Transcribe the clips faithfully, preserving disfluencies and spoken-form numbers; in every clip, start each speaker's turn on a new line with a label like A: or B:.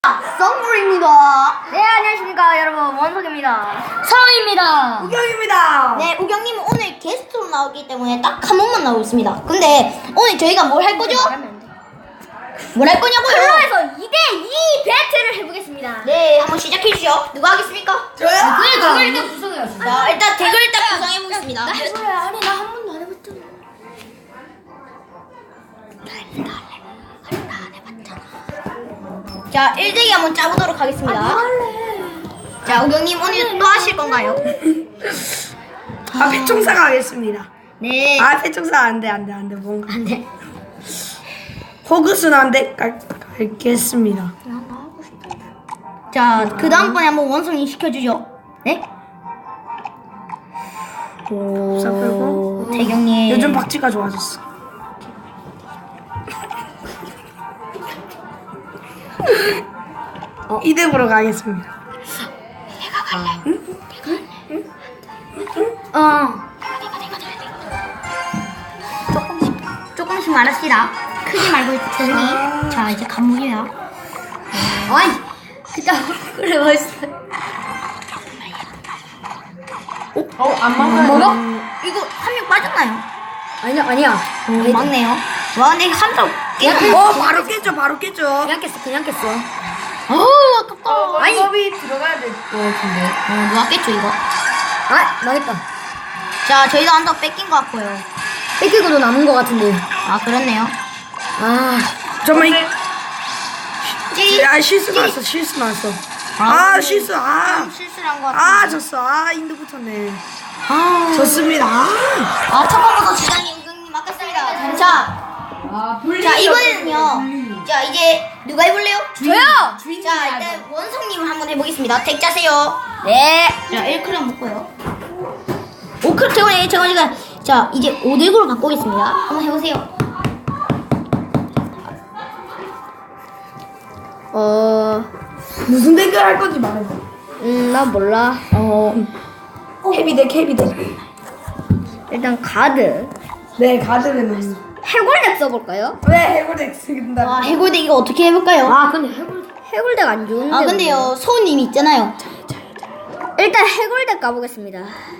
A: 썸물입니다.
B: 네, 안녕하십니까 여러분, 원석입니다.
A: 서입니다.
C: 우경입니다.
A: 네, 우경님은 오늘 게스트로 나오기 때문에 딱 한 번만 나오고 있습니다. 근데 오늘 저희가 뭘 할 거죠? 뭘 할 거냐고요?
B: 클로에서 이 대 이 배틀을 해보겠습니다.
A: 네, 한번 시작해 주시죠. 누가 하겠습니까?
C: 저요?
B: 그래, 그걸 일단 구성해야지.
A: 자, 일단 댓글 딱 구성해 보겠습니다.
B: 그래, 아니 나 한 번도 안 해봤잖아.
A: 자, 일 대이 한번 짜보도록 하겠습니다. 자, 우경님 오늘 또 하실 건가요?
C: 아, 패총사가 하겠습니다.
A: 네.
C: 아, 패총사 안 돼, 안 돼, 안 돼. 뭔가.
A: 안 돼.
C: 호그스는 안 돼. 갈, 갈겠습니다.
A: 자, 그 다음번에 한번 원숭이 시켜주죠. 네? 오,
C: 자, 그리고
A: 태경님.
C: 요즘 박쥐가 좋아졌어. 어, 이대으로 가겠습니다.
A: 어. 조금씩, 조금씩 말합시다. 크지 말고 조용히. 자, 이제 감옥이야.
B: 아이, 진짜 그래 맛있어.
C: 어, 안
A: 안 먹어? 이거 한 명 빠졌나요?
B: 아니야, 아니야.
A: 오, 막네요. 와, 근데 한명 깨.
C: 어, 바로 깼죠, 바로 깼죠.
B: 그냥 깼어, 그냥 깼어.
A: 어우, 아깝다.
C: 아니, 법이 들어가야 될 것 같은데.
A: 어, 누가 깼죠, 이거?
B: 아, 망했다.
A: 자, 저희도 한 번 뺏긴 것 같고요.
B: 뺏기고도 남은 것 같은데.
A: 아, 그렇네요.
B: 아,
C: 정말,
A: 찌.
C: 야, 실수 나왔어, 실수 나왔어.
A: 아,
C: 아, 실수, 아.
A: 실수를 한 것 같아.
C: 아, 졌어. 아, 인도 붙었네.
A: 아,
C: 졌습니다. 아.
A: 아, 첫 번부터 지장이 우경님 아깝습니다. 자, 자, 이번에는요. 자, 이제 누가 해볼래요?
B: 저요.
A: 자, 일단 원성님을 한번 해보겠습니다. 덱 짜세요.
B: 네.
A: 자, 일 크랑 먹고요. 오 크랑 태원이 제가 지금 자, 이제 오 덱으로 갖고 오겠습니다. 한번 해보세요.
B: 어,
C: 무슨 댓글 할 건지 말해봐.
B: 음, 나 몰라.
A: 어,
C: 헤비덱, 헤비덱.
B: 일단 가드.
C: 네, 가드는.
B: 해골덱 써볼까요?
C: 왜 해골덱 쓰긴다.
A: 아, 해골덱 이거 어떻게 해볼까요?
B: 아, 근데 해골 해골덱 안 좋은데.
A: 아, 근데요, 소우님이 있잖아요.
B: 일단 해골덱 가보겠습니다.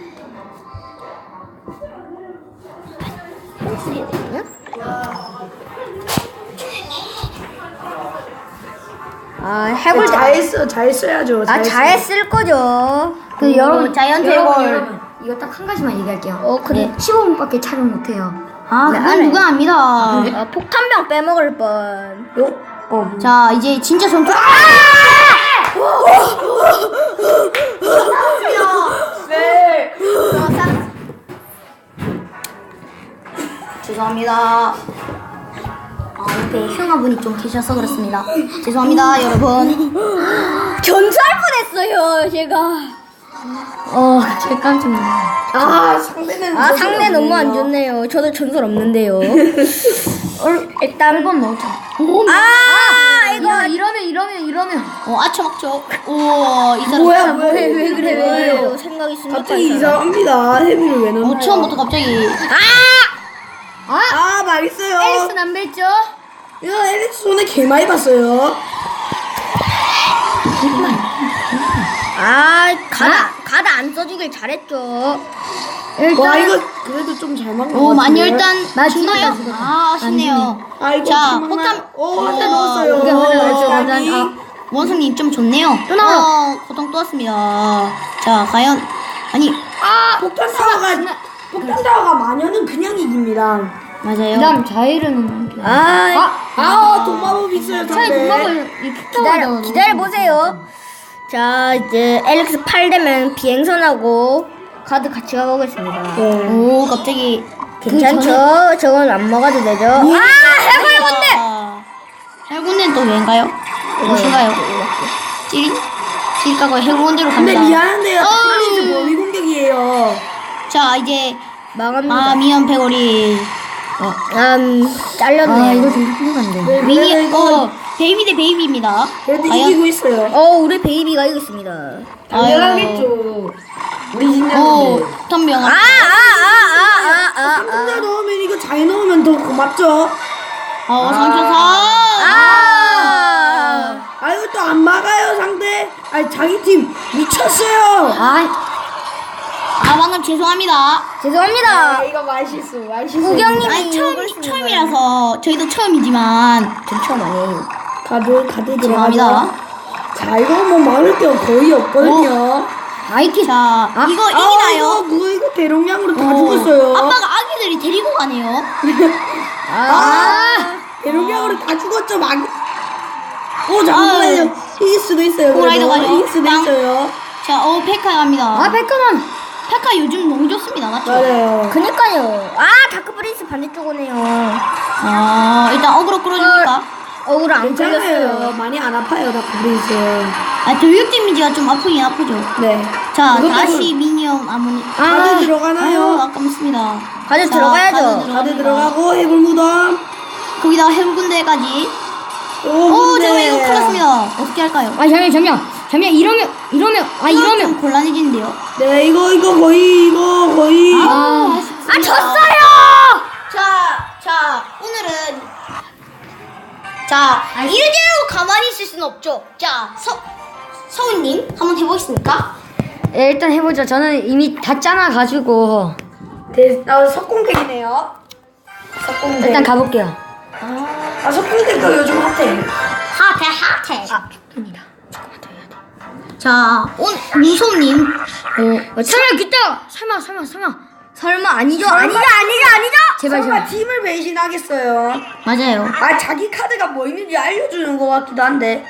B: 아, 해골덱.
C: 잘 써, 잘 써야죠.
B: 아, 잘 쓸 거죠. 그
A: 음,
B: 여러분,
A: 자이언트
B: 여러분,
A: 해골.
B: 여러분, 이거 딱 한 가지만 얘기할게요. 어,
A: 그래.
B: 십오 분밖에 촬영 못해요.
A: 아,
B: 네,
A: 그건
B: 알아요.
A: 누가 압니다.
B: 아, 폭탄병 빼먹을 뻔.
C: 요? 어.
A: 자, 이제 진짜 전투.
C: 네.
A: 죄송합니다. 아, 옆에 형아분이 좀 계셔서 그렇습니다. 죄송합니다, 여러분.
B: 전투할 뻔했어요, 제가. 어, 제 깜짝 놀랐네.
C: 아, 상대는.
B: 아, 상대 너무 안 좋네요. 저도 전설 없는데요. 어, 일단 한번 넣자. 아, 이거
A: 이러면, 이러면, 이러면. 어, 아쳐먹죠. 우와, 이 사람.
C: 뭐야, 뭐야.
B: 왜, 왜 그래, 왜
A: 왜요?
B: 그래요? 생각 있으니까.
C: 갑자기 이상합니다. 헤비를 왜 넣나요?
A: 어, 처음부터 갑자기.
C: 아, 망했어요.
A: 앨리스는 안 뵀죠?
C: 야, 앨리스 손에 개 많이 봤어요.
B: 아, 가다, 가다 안 써주길 잘했죠.
C: 와, 이거 그래도 좀 잘 막는
A: 오,
C: 것
A: 많이
C: 같은데.
A: 일단
B: 나
A: 주나요?
B: 죽었다, 죽었다.
A: 아, 아쉽네요.
C: 아, 이거
A: 자,
C: 좀
A: 폭탄.
C: 막나- 오, 한대 넣었어요.
B: 이게 맞아, 맞아, 맞아.
C: 아니.
B: 아,
A: 원성님 좀 좋네요.
B: 또 나와요.
A: 어, 고통 또 왔습니다. 자, 과연. 아니,
C: 아, 폭탄 타워가, 폭탄 타워가 마녀는 그냥 이깁니다.
A: 맞아요.
B: 자이르는. 아,
C: 아, 돈마법 있어요, 상대.
B: 기다려, 기다려보세요. 자, 이제 엘릭스 팔 되면 비행선하고 카드 같이 가보겠습니다.
C: 네.
A: 오, 갑자기.
B: 괜찮죠? 저건 안 먹어도 되죠? 아, 해골건데!
A: 해군대는 또 왜인가요? 무엇인가요? 찌릿? 찌릿가고 해군대로
C: 근데
A: 갑니다.
C: 미안한데요.
A: 어우.
C: 테니스 범위 공격이에요.
A: 자, 이제.
B: 망합니다.
A: 아, 미연 패거리.
B: 음, 잘렸네요.
A: 아, 이거
B: 좀 훌륭한데.
A: 미니,
C: 그래도 이거-
A: 어, 베이비 대 베이비입니다.
C: 그래도
A: 과연-
C: 이기고 있어요.
B: 어, 우리 베이비가 이겼습니다.
C: 당연하겠죠. 우리
A: 오,
C: 진짜인데.
A: 턴병.
B: 아, 아, 아, 아, 아, 아,
C: 혼자
B: 아.
C: 넣으면 이거 잘 넣으면 더 고맙죠.
A: 어, 삼천사.
B: 아,
C: 아유 또 안 막아요 상대. 아니 자기 팀 미쳤어요.
B: 아
A: 아 방금 죄송합니다.
B: 죄송합니다.
C: 이거 말실수 말실수.
B: 우경님이
A: 아니 처음
B: 욕을 쓰는
A: 처음이라서 저희도 처음이지만
B: 전 처음 아니에요.
C: 가드 가드
A: 죄송합니다.
C: 들어가죠. 자 이거 뭐 막을 게 거의 없거든요.
B: 아이키
A: 자 이거
C: 아, 이거
A: 이기나요?
C: 그거 이거 대용량으로 다
A: 어.
C: 죽었어요.
A: 아빠가 아기들이 데리고 가네요.
C: 아, 대용량으로 다 죽었죠 막. 오 잠깐만요. 이길 수도 있어요.
A: 호라이더
C: 그래도.
A: 가죠.
C: 이길 수도
A: 땅.
C: 있어요.
A: 자, 어 페카 갑니다.
B: 아 백화만.
A: 페카 요즘 너무 좋습니다, 맞죠?
C: 맞아요.
B: 그니까요. 아 다크 프린스 반대쪽 오네요.
A: 아 일단 어그로 끌어줍니까?
B: 억울 안
C: 괜찮아요.
B: 걸렸어요.
C: 많이 안 아파요 다크브리즈.
A: 아 교육 데미지가 좀 아프긴 아프죠.
C: 네.
A: 자
C: 그것도
A: 다시 미니엄 아모니.
C: 가드 들어가나요?
A: 아유, 아깝습니다.
B: 가드
A: 자,
B: 들어가야죠.
A: 가드
C: 가드
A: 들어갑니다.
C: 들어가고 해골 무덤.
A: 거기다가 해군대까지.
C: 오,
A: 오,
C: 근데-
A: 잠깐만 이거 큰일 났습니다. 어떻게 할까요?
B: 아 잠시만 잠시만 잠시만 이러면 이러면 아
A: 이거
B: 이러면
A: 좀 곤란해지는데요.
C: 네 이거 이거 거의 이거 거의.
A: 아,
B: 아 졌어요.
A: 자, 자, 오늘은 자 이래로 가만히 있을 수는 없죠. 자, 서 서훈님 한번 해보겠습니까?
B: 네, 일단 해보죠. 저는 이미 다 짜놔가지고
C: 네, 아, 석공덱이네요. 석공덱.
B: 일단 가볼게요.
C: 아 석공덱도 요즘 핫해.
A: 하태 하태.
B: 아 좋습니다. 조금만 더 해야 돼.
A: 자, 오늘 무솜님.
B: 어, 설마 그때가 설마 설마 설마 설마 아니죠 아니죠 아니죠 아니죠 제발
C: 설마
B: 제발.
C: 팀을 배신하겠어요.
A: 맞아요.
C: 아 자기 카드가 뭐 있는지 알려주는 것 같기도 한데.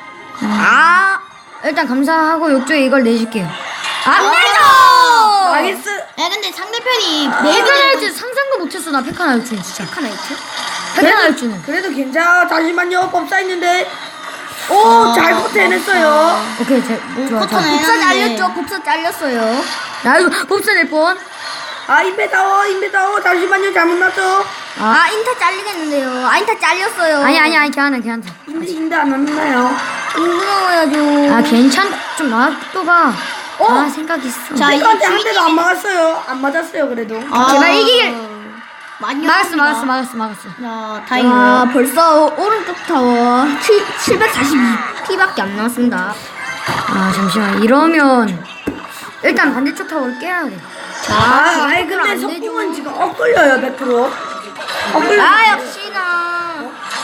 B: 아 일단 감사하고 욕조에 이걸 내줄게요. 안 되죠.
C: 망했어.
A: 야, 근데 상대편이
B: 내가 나올 줄 상상도 못했어 나 페카 나올 줄 진짜. 페카 나올 줄? 페카 나올 줄은.
C: 그래도 괜찮아. 잠시만요. 법사 있는데. 오,
A: 아,
C: 잘 버텨냈어요.
B: 오케이 잘 좋아 좋아.
A: 포터는
B: 복사
A: 해놨는데.
B: 잘렸죠. 복사 잘렸어요. 나 이거 복사 낼 뻔.
C: 아, 인베다워, 인베다워. 잠시만요. 잘못 났죠.
B: 아 인타 잘리겠는데요. 아 인타 잘렸어요. 아니 아니 아니 괜찮아 괜찮아.
C: 인데, 인데 안 났나요?
B: 무서워야죠. 아 괜찮 좀 놔둬봐.
C: 어?
B: 아 생각 있어.
A: 자, 이제
C: 백한테 한 대도 안
A: 주인님이-
C: 막았어요. 안 맞았어요, 그래도.
A: 아,
B: 제발 이기길.
A: 많이
B: 막았어
A: 어렵습니다.
B: 막았어 막았어 막았어.
A: 자,
B: 아
A: 다행이고요.
B: 벌써 오른쪽 타워 칠백사십이 피밖에 안 나왔습니다. 아 잠시만 이러면 일단 반대쪽 타워를 깨야 돼.
C: 아, 아이,
B: 그걸
C: 근데
B: 안
C: 석궁은 지금 엇걸려요, 백 퍼센트. 엇걸려.
B: 아 역시나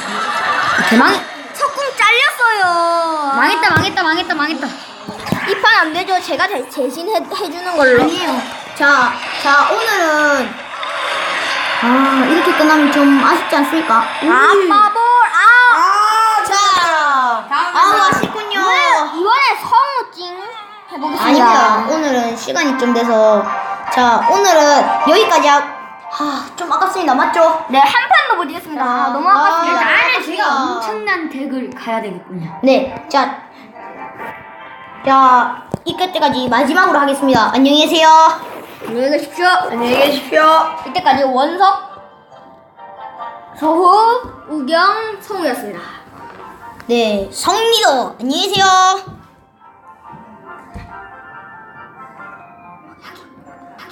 B: 대망 석궁 잘렸어요. 망했다 망했다 망했다 망했다. 이 판 안 되죠. 제가 대, 대신 해, 해주는 걸로.
A: 아니에요. 자, 자, 오늘은 아, 이렇게 끝나면 좀 아쉽지 않습니까?
B: 아빠볼 아.
C: 아,
A: 자, 아, 아쉽군요.
B: 이번에 성우찡 해보겠습니다.
A: 아닙니다. 오늘은 시간이 좀 돼서 자, 오늘은 여기까지 하, 하, 좀 아깝습니다. 맞죠?
B: 네, 한 판도 못 이겼습니다.
A: 아,
B: 너무 아깝습니다.
A: 아,
B: 나는 제가
A: 아깝습니다.
B: 엄청난 덱을 가야 되겠군요.
A: 네, 자, 자, 이끝 때까지 마지막으로 하겠습니다. 안녕히 계세요.
B: 안녕히 계십시오.
C: 안녕히 계십시오.
B: 이때까지 원석, 서후, 우경, 성우였습니다.
A: 네, 성리도 안녕히 계세요.